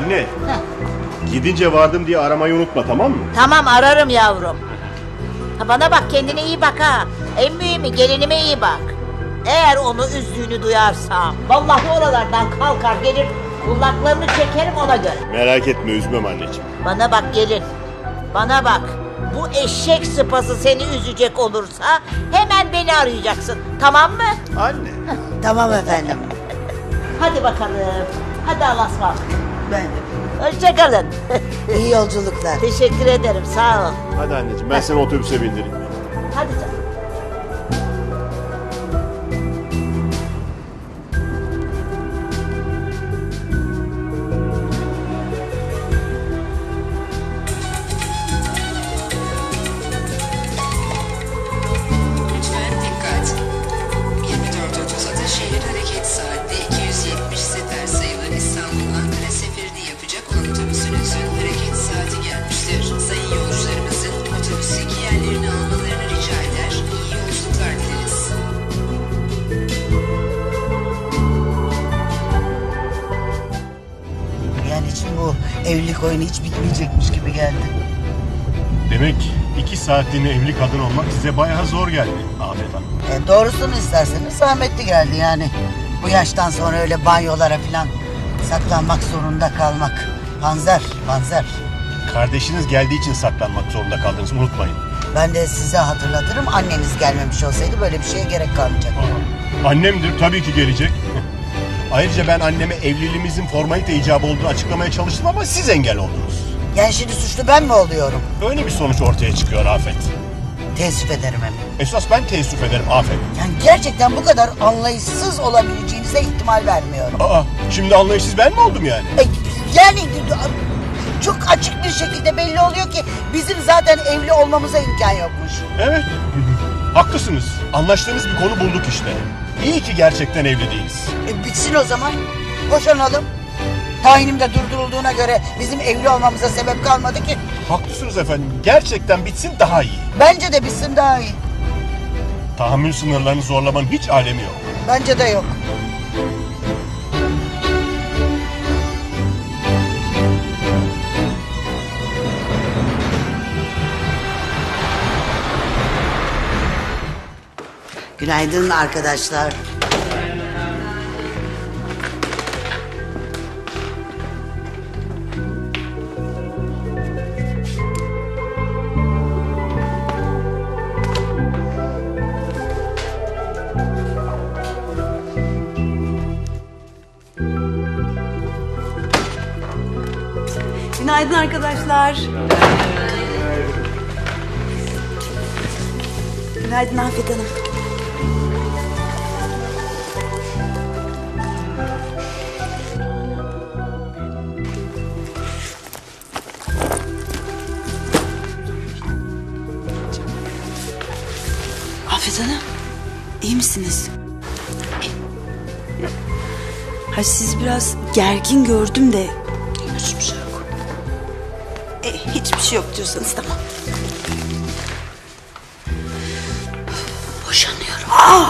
Anne, Heh. gidince vardım diye aramayı unutma, tamam mı? Tamam, ararım yavrum. Ha, bana bak, kendine iyi bak ha. En mühimi gelinime iyi bak. Eğer onu üzdüğünü duyarsam vallahi oralardan kalkar gelir, kulaklarını çekerim ona göre. Merak etme, üzmem anneciğim. Bana bak gelin. Bana bak. Bu eşek sıpası seni üzecek olursa hemen beni arayacaksın. Tamam mı? Anne. Tamam efendim. Hadi bakalım. Hadi Allah'a ısmarladık. Ben de. Hoşça kalın. İyi yolculuklar. Teşekkür ederim. Sağ ol. Hadi anneciğim, ben seni otobüse bindireyim. Hadi canım. Lütfen dikkat. 24.30 Ataşehir hareket saatte 270 sefer sayılı İstanbul-Ankara seferini yapacak olan otobüsünüzün hareket saati gelmiştir. Sayın yolcularımızın otobüsteki yerlerini almalarını rica eder. İyi yolculuklar dileriz. Yani için bu evlilik oyunu hiç bitmeyecekmiş gibi geldi. Demek 2 saatliğine evli kadın olmak size bayağı zor geldi Afet Hanım. Doğrusunu isterseniz zahmetli geldi yani. Bu yaştan sonra öyle banyolara falan saklanmak zorunda kalmak. Panzer, panzer. Kardeşiniz geldiği için saklanmak zorunda kaldınız, unutmayın. Ben de size hatırlatırım, anneniz gelmemiş olsaydı böyle bir şeye gerek kalmayacaktı. Annemdir, tabii ki gelecek. Ayrıca ben anneme evliliğimizin formalite icabı olduğunu açıklamaya çalıştım ama siz engel oldunuz. Yani şimdi suçlu ben mi oluyorum? Öyle bir sonuç ortaya çıkıyor Afet. Teessüf ederim hem. Esas ben teessüf ederim Afet. Yani gerçekten bu kadar anlayışsız olabileceğinize ihtimal vermiyorum. Aa, şimdi anlayışsız ben mi oldum yani? Yani çok açık bir şekilde belli oluyor ki bizim zaten evli olmamıza imkan yokmuş. Evet. Haklısınız. Anlaştığımız bir konu bulduk işte. İyi ki gerçekten evli değiliz. Bitsin o zaman. Boşanalım. Tayinim de durdurulduğuna göre bizim evli olmamıza sebep kalmadı ki. Haklısınız efendim. Gerçekten bitsin daha iyi. Bence de bitsin daha iyi. Tahammül sınırlarını zorlamanın hiç alemi yok. Bence de yok. Günaydın arkadaşlar. Günaydın arkadaşlar. Günaydın Afet Hanım. Afet Hanım, iyi misiniz? Ha, sizi biraz gergin gördüm de. Hiçbir şey yok. Hiçbir şey yok diyorsanız tamam. Boşanıyorum.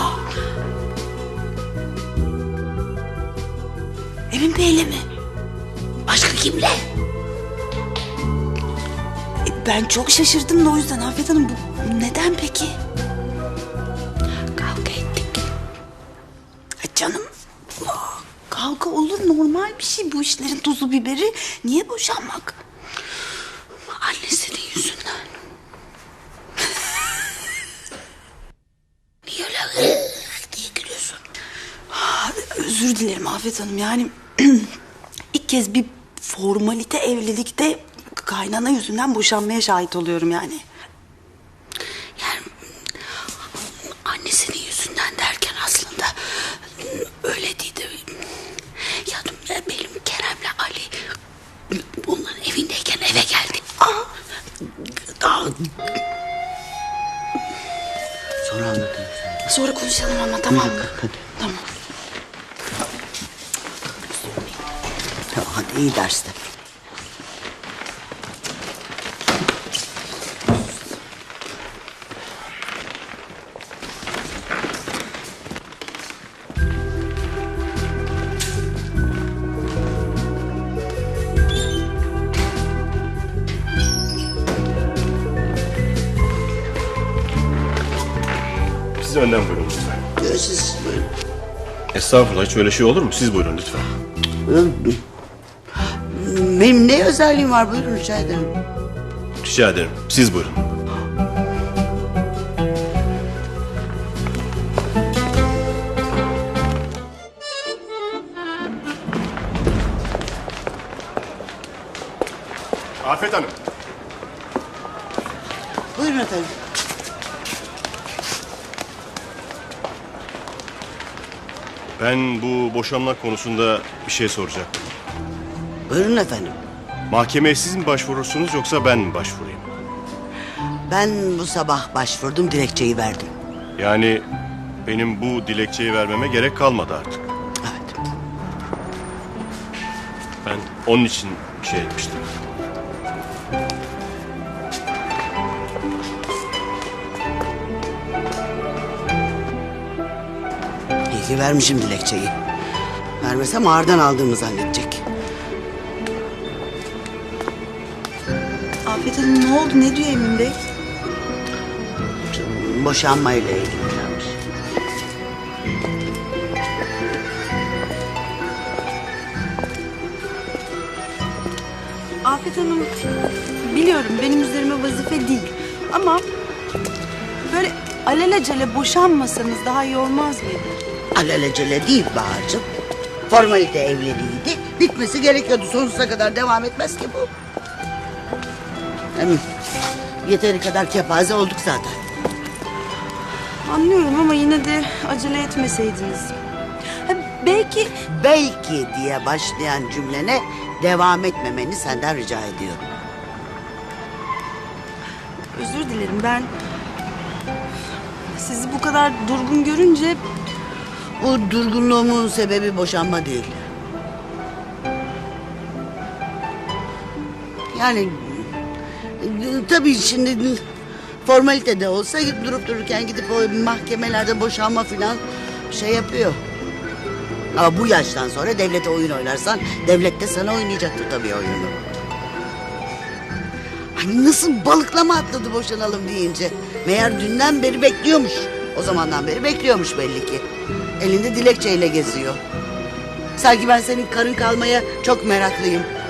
Emin Bey'le mi? Başka kimle? Ben çok şaşırdım da o yüzden Afet Hanım, bu neden peki? Kavga ettik. Canım, kavga olur, normal bir şey, bu işlerin tuzu biberi. Niye boşanmak? Annesinin yüzünden. Niye öyle diye gülüyorsun? Özür dilerim Afet Hanım, yani ilk kez bir formalite evlilikte kaynana yüzünden boşanmaya şahit oluyorum yani. Yani annesinin yüzünden derken aslında öyle değil de, ya benim Kerem'le Ali onların evindeyken eve geldi. Sonra anlatırım. Sonra konuşalım ama, tamam mı? Hadi. Tamam. Hadi iyi dersler. önden buyurun lütfen. Siz buyurun. Estağfurullah, hiç öyle şey olur mu? Siz buyurun lütfen. Benim ne özelliğim var, buyurun rica ederim. Rica ederim. Siz buyurun. Afet Hanım. Buyurun efendim. Ben bu boşanma konusunda bir şey soracaktım. Buyurun efendim. Mahkemeye siz mi başvurursunuz yoksa ben mi başvurayım? Ben bu sabah başvurdum, dilekçeyi verdim. Yani benim bu dilekçeyi vermeme gerek kalmadı artık. Evet. Ben onun için bir şey etmiştim. İyi ki vermişim dilekçeyi. Vermesem ağırdan aldığımı zannedecek. Afet Hanım ne oldu? Ne diyor Emin Bey? Boşanmayla ilgililermiş. Afet Hanım biliyorum benim üzerime vazife değil. Ama böyle alelacele boşanmasanız daha iyi olmaz mıydı? Alelacele değil Bahar'cığım. Formalite evliliğiydi. Bitmesi gerekiyordu. Sonsuza kadar devam etmez ki bu. Hem yeteri kadar kepaze olduk zaten. Anlıyorum ama yine de acele etmeseydiniz. Ha, Belki diye başlayan cümlene devam etmemeni senden rica ediyorum. özür dilerim ben sizi bu kadar durgun görünce Bu durgunluğumun sebebi boşanma değil. Yani tabii şimdi formalite de olsa durup dururken gidip o mahkemelerde boşanma filan şey yapıyor. Ama bu yaştan sonra devlete oyun oynarsan devlet de sana oynayacaktır tabii oyunu. Hani nasıl balıklama atladı boşanalım deyince. Meğer dünden beri bekliyormuş. O zamandan beri bekliyormuş belli ki. Elinde dilekçeyle geziyor. Sanki ben senin karın kalmaya çok meraklıyım.